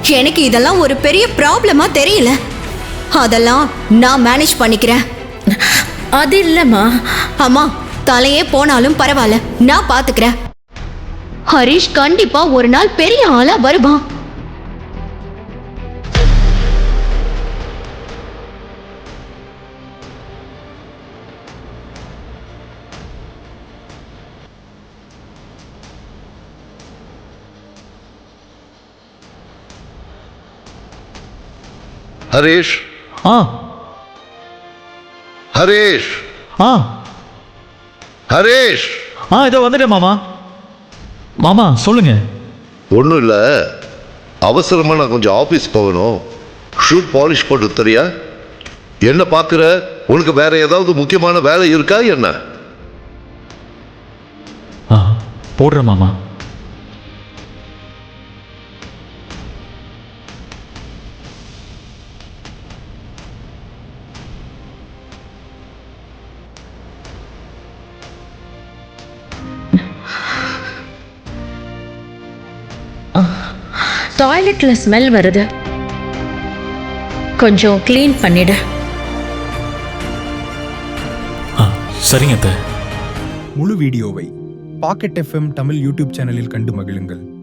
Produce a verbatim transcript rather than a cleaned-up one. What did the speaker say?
எனக்கு இதெல்லாம் ஒரு பெரிய ப்ராப்ளமா தெரியல. அதெல்லாம் நான் மேனேஜ் பண்ணிக்கிறேன். அது இல்லம்மா. அம்மா, தலையே போனாலும் பரவாயில்ல, நான் பாத்துக்கிறேன். ஹரிஷ் கண்டிப்பா ஒரு நாள் பெரிய ஆளா வருவான். ஹரீஷ். ஆ ஹரீஷ். ஆ ஹரீஷ். ஆ இதோ வந்துட்டேன் மாமா. மாமா சொல்லுங்க. ஒன்றும் இல்லை, அவசரமாக நான் கொஞ்சம் ஆஃபீஸ் போகணும். ஷூட் பாலிஷ் போட்டு தெரியா? என்ன பார்க்குற? உனக்கு வேற ஏதாவது முக்கியமான வேலை இருக்கா என்ன? ஆ போடுறேன் மாமா. டாய்லெட்ல ஸ்மெல் வருது, கொஞ்சம் க்ளீன் பண்ணிடு. ஆ சரிங்க அத்தை. முழு வீடியோவை பாக்கெட் எஃப்எம் தமிழ் யூடியூப் சேனலில் கண்டு மகிழுங்கள்.